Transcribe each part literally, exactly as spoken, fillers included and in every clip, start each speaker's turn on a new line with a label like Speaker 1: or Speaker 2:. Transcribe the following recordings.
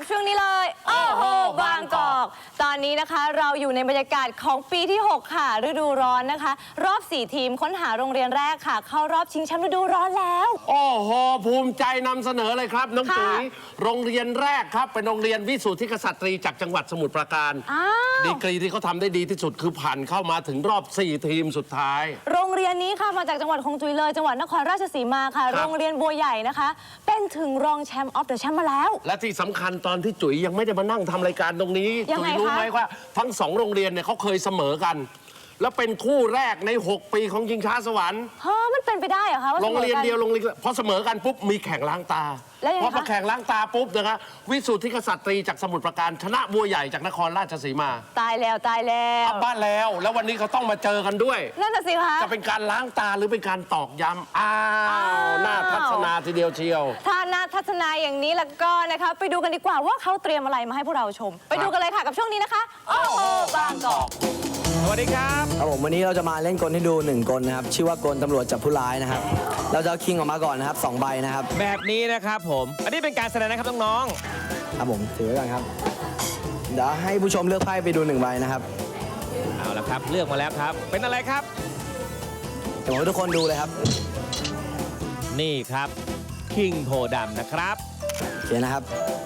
Speaker 1: ช่วงนี้เลยโอ้โหบางกอกตอนนี้นะคะเราอยู่ในบรรยากาศของปีที่หกค่ะฤดูร้อนนะคะรอบสี่ทีมค้นหาโรงเรียนแรกค่ะเข้ารอบชิงแชมป์ฤดูร้อนแล้ว
Speaker 2: โอ้โหภูมิใจนำเสนอเลยครับน้องจุ๋ยโรงเรียนแรกครับเป็นโรงเรียนวิสุทธิกษัตรีจากจังหวัดสมุทรปราการดีกรีที่เขาทำได้ดีที่สุดคือผ่านเข้ามาถึงรอบสี่ทีมสุดท้าย
Speaker 1: โรงเรียนนี้ค่ะมาจากจังหวัดของจุ๋ยเลยจังหวัดนครราชสีมาค่ะโรงเรียนบัวใหญ่นะคะเป็นถึงรองแชมป์ออฟเดอะแชมป์มาแล้ว
Speaker 2: และที่สำคัญตอนที่จุ๋ยยังไม่ได้มานั่งทำรายการตรงนี้จุ๋ยรู้ไหมว่าทั้งสองโรงเรียนเนี่ยเขาเคยเสมอกันแล้วเป็นคู่แรกในหกปีของชิงช้าสวรรค์
Speaker 1: เฮ้อมันเป็นไปได้เหรอคะว่า
Speaker 2: โรงเรียนเดียวโรงเรียนพอเสมอกันปุ๊บมีแข่งล้างตาพอมาแข่งล้างตาปุ๊บนะคะวิสุทธิกษัตรีจากสมุทรปราการชนะบัวใหญ่จากนครราชสีมา
Speaker 1: ตายแล้วตายแล้ว
Speaker 2: บ้านแล้วแล้ววันนี้เขาต้องมาเจอกันด้วย
Speaker 1: นั่นน่ะสิคะ
Speaker 2: จะเป็นการล้างตาหรือเป็นการตอกย้ำอ้าวน่าทัศนาทีเดียวเชียว
Speaker 1: ถ้าน่าทัศนาอย่างนี้แล้วก็นะคะไปดูกันดีกว่าว่าเขาเตรียมอะไรมาให้พวกเราชมไปดูกันเลยค่ะกับช่วงนี้นะคะโอ้โหบางกอก
Speaker 2: สวัสดีครับ
Speaker 3: ครับผมวันนี้เราจะมาเล่นกลให้ดูหนึ่งกลนะครับชื่อว่ากลตำรวจจับผู้ร้ายนะครับเราจะเอาคิงออกมาก่อนนะครับสองใบนะครับ
Speaker 4: แบบนี้นะครับผมอันนี้เป็นการแสดงนะครับน้อง
Speaker 3: ๆครับผมถือไว้ก่อนครับเดี๋ยวให้ผู้ชมเลือกไพ่ไปดูหนึ่งใบนะครับ
Speaker 4: เอาละครับเลือกมาแล้วครับเป็นอะไรครับ
Speaker 3: เดี๋ยวผมให้ทุกคนดูเลยครับ
Speaker 4: นี่ครับคิงโพดำนะครับ
Speaker 3: โอเคนะครับ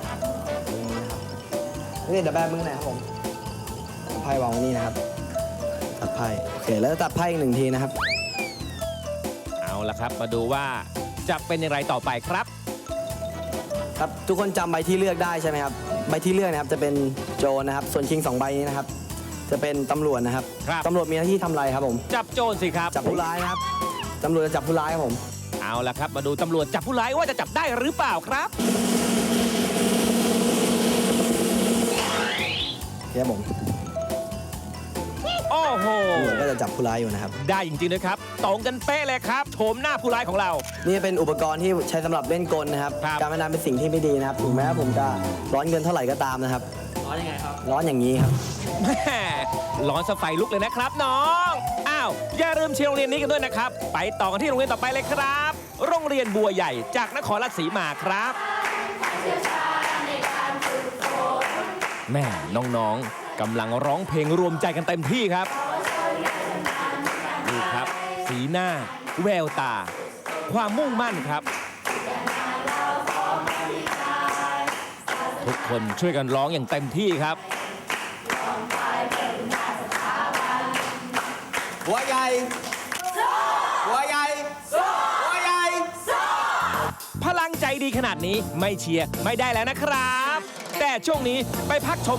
Speaker 3: นี่เดี๋ยวแบมือหน่อยครับผมไพ่วางไว้นี่นะครับตัดไพ่โอเคแล้วตัดไพ่อีกหนึ่งทีนะครับ
Speaker 4: เอาละครับมาดูว่าจะเป็นอย่างไรต่อไปครับ
Speaker 3: ครับทุกคนจำใบที่เลือกได้ใช่ไหมครับใบที่เลือกนะครับจะเป็นโจรนะครับส่วนคิงสองใบนี้นะครับจะเป็นตำรวจนะครับตำรวจมีหน้าที่ทำอะไรครับผม
Speaker 4: จับโจรสิครับ
Speaker 3: จับผู้ร้ายนะครับตำรวจจะจับผู้ร้ายครับผม
Speaker 4: เอาละครับมาดูตำรวจจับผู้ร้ายว่าจะจับได้หรือเปล่าครับ
Speaker 3: เดี๋ยวผม
Speaker 4: โอ้โห
Speaker 3: ก็จะจับผู้ร้ายอยู่นะครับ
Speaker 4: ได้จริงๆเลยครับตรงกันเป๊ะเลยครับโฉมหน้าผู้ร้ายของเรา
Speaker 3: นี่เป็นอุปกรณ์ที่ใช้สำหรับเล่นกลนะครับการพนันเป็นสิ่งที่ไม่ดีนะครับถึงแม้ผมจะร้อนเงินเท่าไหร่ก็ตามนะครับร้อนยังไงครับร้อนอย่างนี้ครับ
Speaker 4: แม่ร้อนสไฟลุกเลยนะครับน้องอ้าวอย่าลืมเชียร์โรงเรียนนี้กันด้วยนะครับไปต่อกันที่โรงเรียนต่อไปเลยครับโรงเรียนบัวใหญ่จากนครราชสีมาครับแม่น้องๆกำลังร้องเพลงรวมใจกันเต็มที่ครับดูครับสีหน้าแววตาความมุ่งมั่นครับทุกคนช่วยกันร้องอย่างเต็มที่ครับ
Speaker 3: บัวใหญ่บัวใหญ่บัวใหญ่
Speaker 4: พลังใจดีขนาดนี้ไม่เชียร์ไม่ได้แล้วนะครับแต่ช่วงนี้ไปพักชม